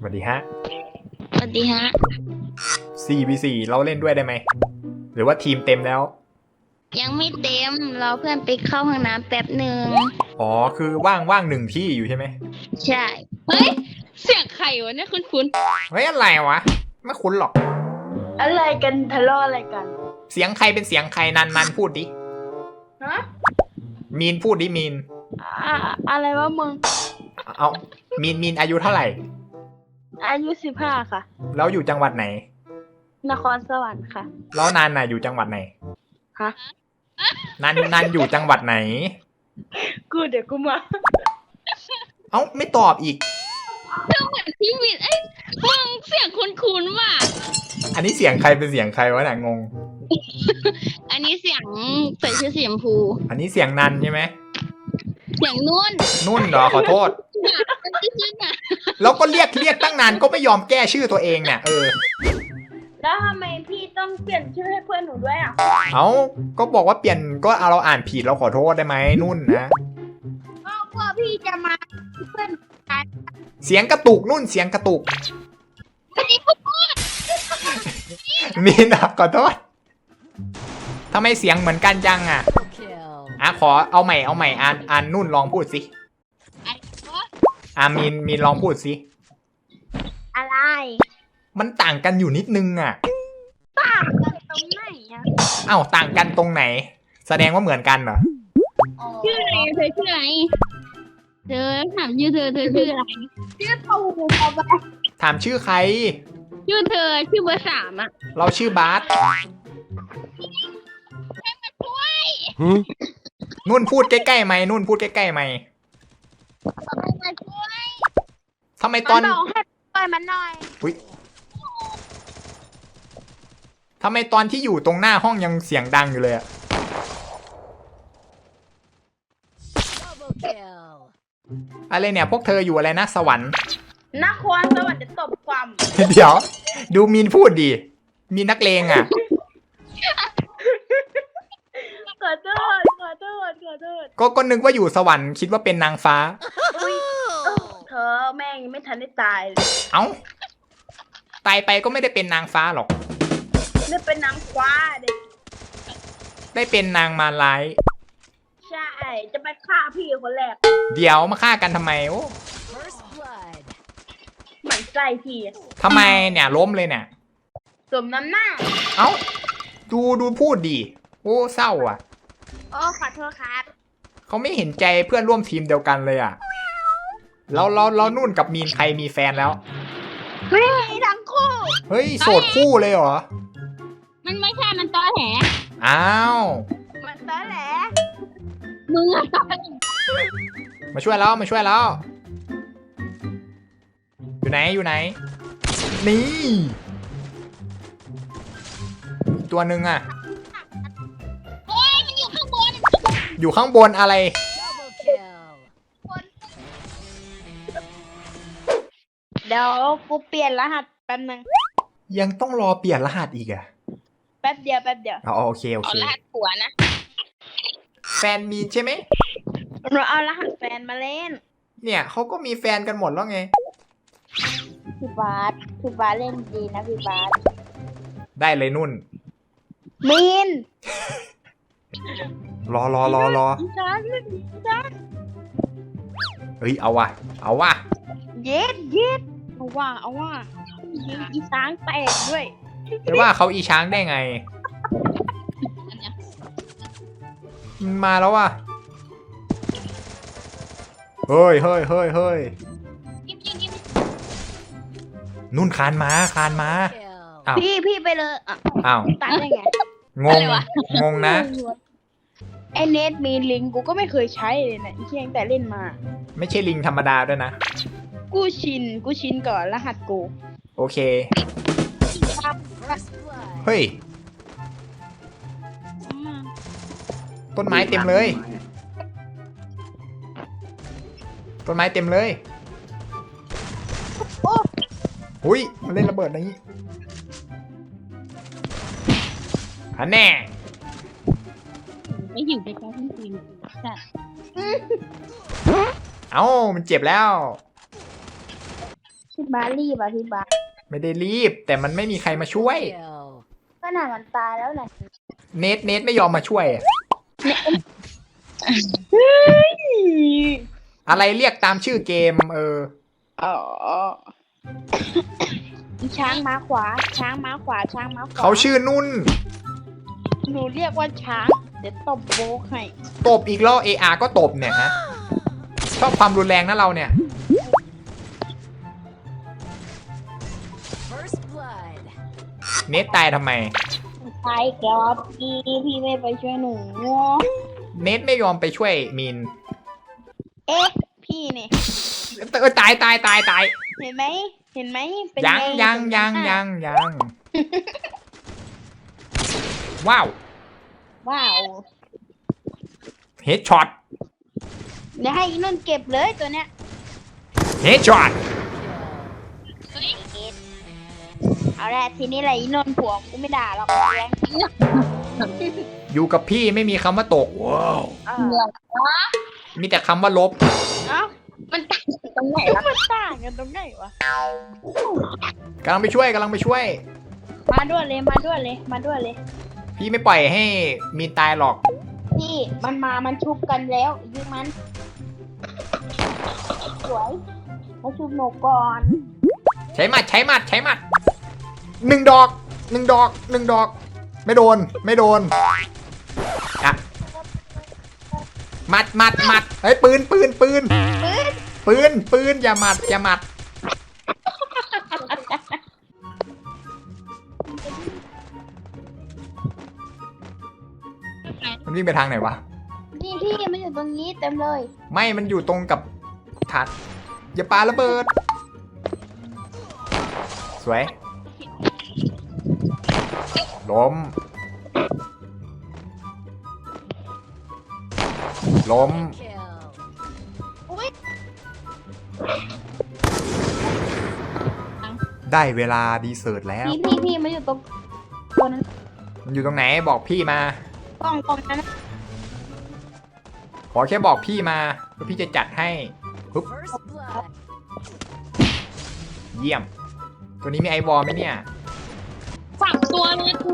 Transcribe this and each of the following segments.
สวัสดีฮะสวัสดีฮะ 4v4 เราเล่นด้วยได้ไหมหรือว่าทีมเต็มแล้วยังไม่เต็มรอเพื่อนไปเข้าห้องน้ำแป๊บหนึ่งอ๋อคือว่างหนึ่งที่อยู่ใช่ไหมใช่เฮ้ยเสียงใครวะเนี่ยคุ้นเฮ้ยอะไรวะไม่คุ้นหรอกอะไรกันทะเลาะอะไรกันเสียงใครเป็นเสียงใครนันพูดดิฮะมีนพูดดิมีนอะไรวะมึงเอามีนอายุเท่าไหร่อายุ15ค่ะแล้วอยู่จังหวัดไหนนครสวรรค์ค่ะแล้วนันน่ะอยู่จังหวัดไหนฮะนันอยู่จังหวัดไหนเดี๋ยวกูมาเอ้าไม่ตอบอีกๆเธอเหมือนพี่วินไอ้มึงเสียงคุ้นๆว่ะอันนี้เสียงใครเป็นเสียงใครวะเนี่ยงงอันนี้เสียงใส่ชื่อสีชมพูอันนี้เสียงนันใช่ไหมเสียงนุ่นเหรอขอโทษแล้วก็เรียกตั้งนานก็ไม่ยอมแก้ชื่อตัวเองเนี่ยแล้วทำไมพี่ต้องเปลี่ยนชื่อให้เพื่อนหนูด้วยอ่ะก็บอกว่าเปลี่ยนก็เราอ่านผิดเราขอโทษได้ไหมนุ่นนะเพราะพี่จะมาเพื่อนกันเสียงกระตุกนุ่นเสียงกระตุกมีนะขอโทษทำไมเสียงเหมือนกันจังขอเอาใหม่อ่านนุ่นลองพูดสิมีนลองพูดสิอะไรมันต่างกันอยู่นิดนึงต่างกันตรงไหนต่างกันตรงไหนแสดงว่าเหมือนกันเหรอชื่ออะไรเธอชื่ออะไรเธอถามชื่อเธอชื่ออะไรชื่อตูเอาไปถามชื่อใครชื่อเธอชื่อเบอร์ 3 เราชื่อบาสนุ่นพูดใกล้ๆไหมนุ่นพูดใกล้ๆไหมทำไมตอนให้ปล่อยมันหน่อยทำไมตอนที่อยู่ตรงหน้าห้องยังเสียงดังอยู่เลยอะไรเนี่ยพวกเธออยู่อะไรนะสวรรค์นครสวรรค์จะตบความเดี๋ยวดูมีนพูดดิมีนักเลงขอโทษก็นึกว่าอยู่สวรรค์คิดว่าเป็นนางฟ้าเธอแม่งไม่ทันได้ตายตายไปก็ไม่ได้เป็นนางฟ้าหรอกได้เป็นนางคว้าได้เป็นนางมารร้ายใช่จะไปฆ่าพี่คนแรกเดี๋ยวมาฆ่ากันทำไมหมั่นไส้พี่ทำไมเนี่ยล้มเลยเนี่ยสมน้ำหน้าดูพูดดิโอ้เศร้าขอโทษครับเขาไม่เห็นใจเพื่อนร่วมทีมเดียวกันเลยแล้วนุ่นกับมีนใครมีแฟนแล้วไม่มีทั้งคู่เฮ้ยโสดคู่เลยเหรอมันไม่ใช่มันตอแหลมันตอแหลมึงตอแหลมาช่วยแล้วอยู่ไหนนี่ตัวหนึ่งเฮ้ยมันอยู่ข้างบนอะไรเดี๋ยวกูเปลี่ยนรหัสแป๊บนึงยังต้องรอเปลี่ยนรหัสอีกแป๊บเดียวโอเครหัสผัวนะแฟนมีใช่ไหมเราเอารหัสแฟนมาเล่นเนี่ยเขาก็มีแฟนกันหมดแล้วไงพี่บาสเล่นดีนะพี่บาสได้เลยนุ่นมีนรอเฮ้ยเอาว่ะเย็ดเอาว่าอีช้างแตกด้วยแต่ว่าเขาอีช้างได้ไงมาแล้วว่ะเฮ้ยนุ่นคานมาพี่ไปเลยตัดได้ไงงงนะไอเนทมีลิงกูก็ไม่เคยใช้เลยนะเพียงแต่เล่นมาไม่ใช่ลิงธรรมดาด้วยนะกูชินก่อนรหัสกูโอเคเฮ้ยต้นไม้เต็มเลยหุ้ยมาเล่นระเบิดนี้แน่ไม่อยู่ในการที่จริงจ้ะมันเจ็บแล้วบารีบพี่บาไม่ได้รีบ แต่มันไม่มีใครมาช่วยขนาดมันตายแล้วแหละเนทไม่ยอมมาช่วยอะอะไรเรียกตามชื่อเกมอ๋อช้างม้าขวา ช้างม้าขวา ช้างม้าขวาเขาชื่อนุ่นหนูเรียกว่าช้าง เดี๋ยวตบโบกให้ตบอีกแล้วAR ก็ตบเนี่ยฮะชอบความรุนแรงนะเราเนี่ย เนทตายทำไมใช่ครับพี่ไม่ไปช่วยหนูเนทไม่ยอมไปช่วยมีนเอ๊ะ พี่เนี่ยตายเห็นไหม เห็นไหมเป็นยังไว้าวว้าวเฮดช็อตเดี๋ยวให้อีนุ่นเก็บเลยตัวเนี้ยเฮดช็อตเอาละทีนี้แหละอีนนท์ผัวกูไม่ด่าหรอกแรงจริงอยู่กับพี่ไม่มีคำว่าตก ว้าว มีแต่คำว่าลบเอ้ามันต่างกันตรงไหนล่ะมันต่างกันตรงไหนวะกำลังไปช่วยมาด้วยเลยมาด้วยเลยมาด้วยเลยพี่ไม่ปล่อยให้มีนตายหรอกพี่มันชุบกันแล้วยิงมันสวยมาชุบหนูก่อนใช้หมัดหนึ่งดอก ไม่โดนอ่ะหมัดเฮ้ยปืนอย่าหมัดมันวิ่งไปทางไหนวะนี่พี่มันอยู่ตรงนี้เต็มเลยไม่มันอยู่ตรงกับถาดอย่าปาระเบิด สวย ล้ม ได้เวลาดีเซิร์ตแล้วพี่มันอยู่ตรงตัวนั้นมันอยู่ตรงไหนบอกพี่มากล้องนั้นขอแค่บอกพี่มาแล้วพี่จะจัดให้ปึ๊บเยี่ยม ตัวนี้มีไอวอลไหมเนี่ยฝั่งตัวเลยกู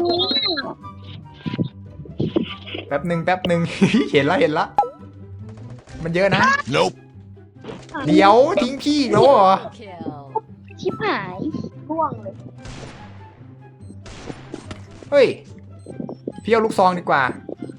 แป๊บหนึ่ง เห็นละ มันเยอะนะ Nope. เดี๋ยวทิ้งพี่อีกแล้วเหรอชิบหายร่วงเลยเฮ้ย พี่เอาลูกซองดีกว่า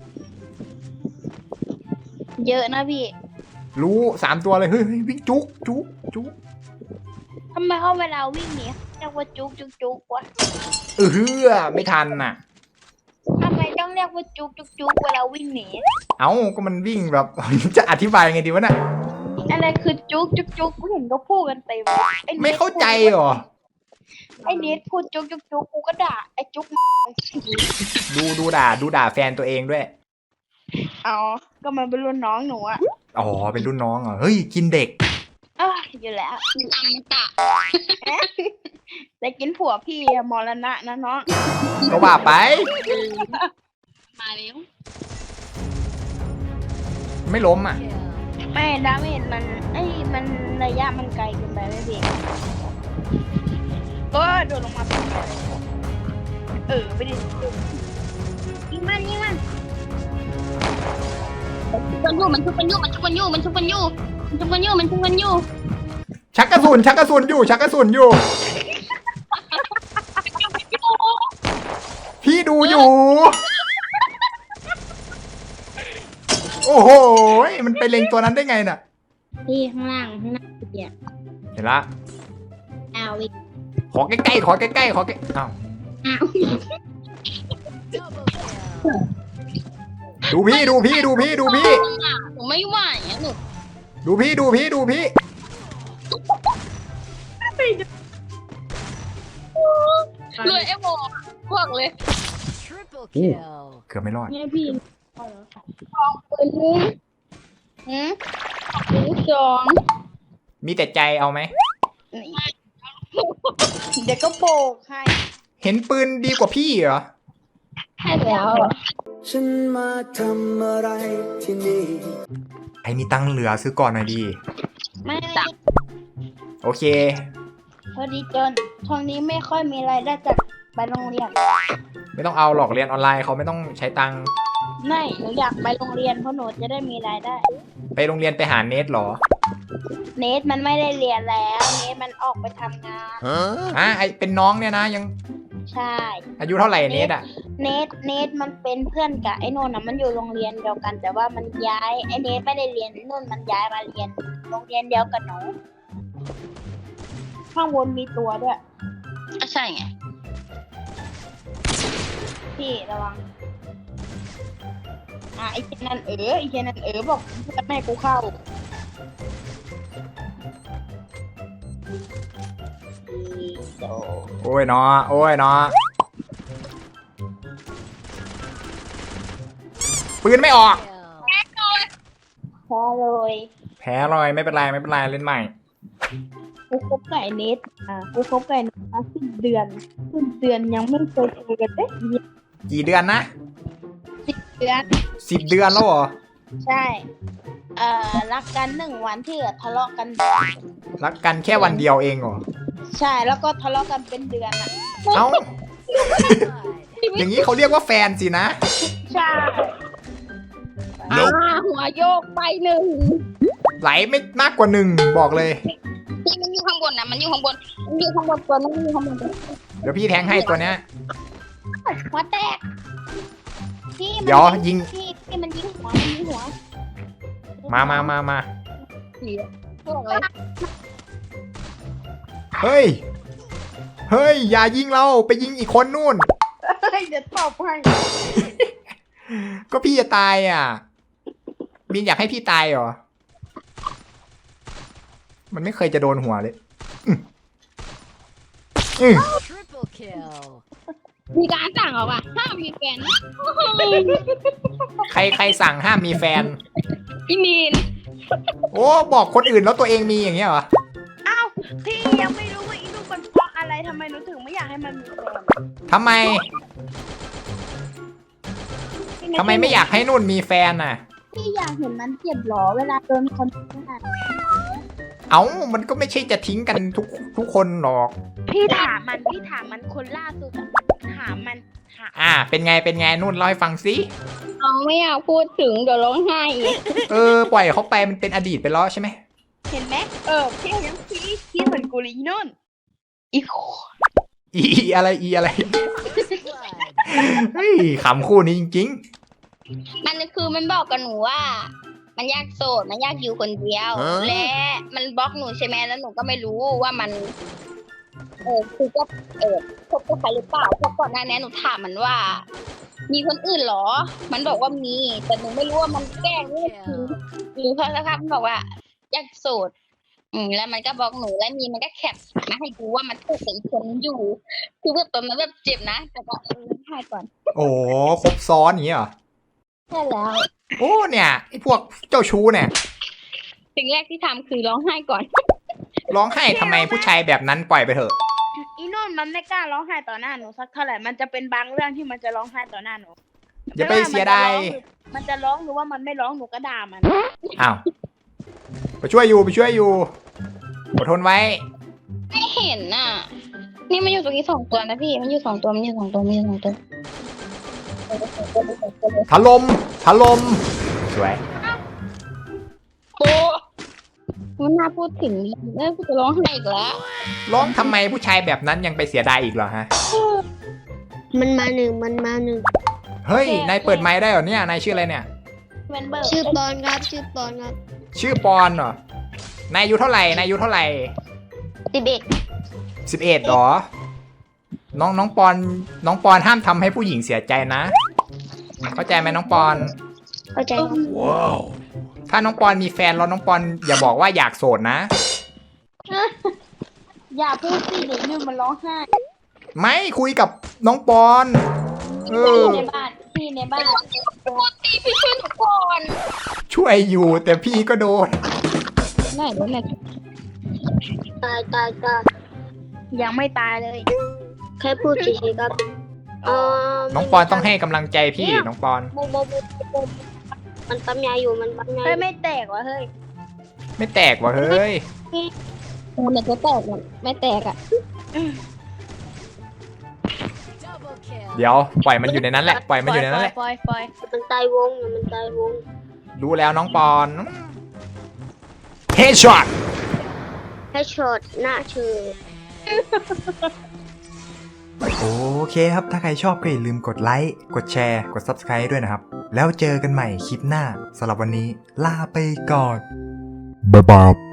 เยอะนะพี่รู้3 ตัวเลย เฮ้ยวิ่งจุกทำไมเขาเวลาวิ่งหนีเรียกว่าจุกวะไม่ทันน่ะทำไมต้องเรียกว่าจุกเวลาวิ่งหนีเอ้าก็มันวิ่งแบบ จะอธิบายยังไงดีวะน่ะอะไรคือจุกกูเห็นเขาพูดกันเต็มอ้นไม่เข้าใจเหรอไอ้เนทพูดจุกกูก็ด่าไอ้จุกดูด่าแฟนตัวเองด้วยอ๋อก็มันเป็นรุ่นน้องหนูอะอ๋อ เป็นรุ่นน้องเหรอ เฮ้ย กินเด็กอยู่แล้วอมตะแต่กินผัวพี่อะมรณะนะน้องก็ว่าไปมาแล้วไม่ล้มอ่ะไม่ดาเมจมันระยะมันไกลเกินไปไม่เพียงก็โดดลงมาเป็นอะไรไปดิยิงมันมันชุบกันอยู่ชักกระสุนอยู่ พี่ดูอยู่ โอ้โห มันไปเล็งตัวนั้นได้ไงน่ะพี่ข้างล่างเนี่ยเห็นละเอาอีกขอใกล้ๆอ้าวอ้าวดูพี่ผมไม่ไหวอ่ะหนูดูพี่รวยไอ้โบพวกเลยเกือบไม่รอดเนี่ยพี่ของปืนปืนสองมีแต่ใจเอาไหมเดี๋ยวก็โบกให้เห็นปืนดีกว่าพี่เหรอให้แล้วฉันมาทำอะไรที่นี่ไอ้มีตังค์เหลือซื้อก่อนหน่อยดีไม่โอเคอดีจนช่วงนี้ไม่ค่อยมีรายได้จากไปโรงเรียนไม่ต้องเอาหรอกเรียนออนไลน์เขาไม่ต้องใช้ตังค์ไม่หนูอยากไปโรงเรียนเพราะหนูจะได้มีรายได้ไปโรงเรียนไปหาเนทเหรอเนทมันไม่ได้เรียนแล้วเนทมันออกไปทำงานไอเป็นน้องเนี่ยนะยังใช่อายุเท่าไหร่เนทอ่ะเนทมันเป็นเพื่อนกับไอ้นนท์นะมันอยู่โรงเรียนเดียวกัน แต่ว่ามันย้ายไอ้เนทไม่ได้เรียนนุ่นมันย้ายมาเรียนโรงเรียนเดียวกับหนูข้างบนมีตัวด้วยก็ใช่ไงพี่ระวังไอ้เจนันไอ้เจนันบอกเพื่อนไม่ให้กูเข้าโดโอ้ยเนาะโอ้ยเนาะปืนไม่ออกแพ้เลยแพ้เลยไม่เป็นไรไม่เป็นไรเล่นใหม่กูคบกับไอ้เนทกูคบกับไอ้เนทมา10 เดือนยังไม่เคยเจอกันเลยกี่เดือนนะเดือน 10 เดือนแล้วเหรอใช่ รักกัน1 วันที่ทะเลาะกันรักกันแค่วันเดียวเองเหรอใช่แล้วก็ทะเลาะกันเป็นเดือนอ่ะเอ้า อย่างนี้เขาเรียกว่าแฟนสินะใช่หัวโยกไป1 ไหลไม่มากกว่า1บอกเลยที่มันอยู่ข้างบนนะมันอยู่ข้างบนตัวนั้นมันอยู่ข้างบนเดี๋ยวพี่แทงให้ตัวเนี้ยหัวแตกพี่เดี๋ยวยิงพี่มันยิงหัวมาพวกเลยเฮ้ยอย่ายิงเราไปยิงอีกคนนู่นเดี๋ยวตอบให้ก็พี่จะตายอ่ะมินอยากให้พี่ตายเหรอ มันไม่เคยจะโดนหัวเลยอื้อมีการสั่งออกอ่ะห้ามมีแฟนนะใครสั่งห้ามมีแฟนพี่มีนโอ้บอกคนอื่นแล้วตัวเองมีอย่างเงี้ยเหรออ้าวพี่ยังไม่รู้ว่าอีลูกมันเพราะอะไรทำไมหนูถึงไม่อยากให้มันมีแฟนทำไมไม่อยากให้นุ่นมีแฟนน่ะพี่อยากเห็นมันเจ็บหรอเวลาโดนคนขนาดเอ้ามันก็ไม่ใช่จะทิ้งกันทุกคนหรอกพี่ถามมันคนล่าสุดอะถามมันเป็นไงนุ่นเล่าให้ฟังสิน้องไม่อยากพูดถึงเดี๋ยวร้องไห้อีกปล่อยเขาไปมันเป็นอดีตไปแล้วใช่ไหมเห็นไหมพี่ยังพี่เหมือนกูเลยอีนุ่นอีโคอีอะไรเฮ้ยขำคู่นี้จริงมันคือมันบอกกับหนูว่า มันอยากโสดมันอยากอยู่คนเดียว และมันบล็อกหนูใช่ไหมแล้วหนูก็ไม่รู้ว่ามันคือก็คบกับใครหรือเปล่าเพราะก่อนหน้านี้หนูถามมันว่า มีคนอื่นเหรอ มันบอกว่ามีแต่หนูไม่รู้ว่ามันแกล้งนี่คือหรือเพราะสักพักมันบอกว่าอยากโสดแล้วมันก็บล็อกหนูแล้วมีมันก็แคปมาให้ดูว่ามันถูกกับอีกคนอยู่ คือแบบตอนนั้นแบบเจ็บนะแต่ก็ให้ก่อนๆ โอ้ครบซ้อนอย่างนี้เหรอใช่แล้วโอ้เนี่ยไอ้พวกเจ้าชู้เนี่ยสิ่งแรกที่ทำคือร้องไห้ก่อนร้องไห้ทำไมผู้ชายแบบนั้นปล่อยไปเถอะอีนุ่นมันไม่กล้าร้องไห้ต่อหน้าหนูสักเท่าไหร่มันจะเป็นบางเรื่องที่มันจะร้องไห้ต่อหน้าหนูอย่าไปเสียดายมันจะร้องหรือว่ามันไม่ร้องหนูก็ด่ามันอ้าวไปช่วยอยู่อดทนไว้ไม่เห็นน่ะ นี่มันอยู่ตรงนี้2 ตัวนะพี่ มันอยู่2 ตัวถล่มสวยโปมันน่าพูดถึงกูจะร้องไห้อีกแล้วร้องทำไมผู้ชายแบบนั้นยังไปเสียดายอีกเหรอฮะมันมาหนึ่งเฮ้ยนายเปิดไมค์ได้เหรอเนี่ยนายชื่ออะไรเนี่ยเวนเบอร์ชื่อปอนครับชื่อปอนเหรอนายอายุเท่าไหร่11เหรอน้องปอนห้ามทำให้ผู้หญิงเสียใจนะเข้าใจไหมน้องปอนเข้าใจครับว้าวถ้าน้องปอนมีแฟนแล้วน้องปอนอย่าบอกว่าอยากโสดนะอย่าพูดสิเดี๋ยวนุ่นมันร้องไห้ไม่คุยกับน้องปอนพี่ในบ้านพูดตีพี่ช่วยหนูก่อนช่วยอยู่แต่พี่ก็โดนไหนตายยังไม่ตายเลยแค่พูดเฉยๆครับน้องปอนต้องให้กำลังใจพี่น้องปอนโมมันปั๊มยาอยู่ มันปั๊มยาอเฮ้ยยู่ไม่แตกวะเฮ้ยไม่แตกว่ะเฮ้ยกูเนี่ยจะแตกเนี่ยไม่แตกอ่ะเดี๋ยวปล่อยมันอยู่ในนั้นแหละปล่อยมันอยู่ในนั้นแหละปล่อยมันตายวงมันตายวงรู้แล้วน้องปอนเฮดช็อตให้ช็อตหน้าเธอโอเคครับ ถ้าใครชอบก็อย่าลืมกดไลค์กดแชร์กด Subscribe ด้วยนะครับ แล้วเจอกันใหม่คลิปหน้าสำหรับวันนี้ลาไปก่อนบ๊ายบาย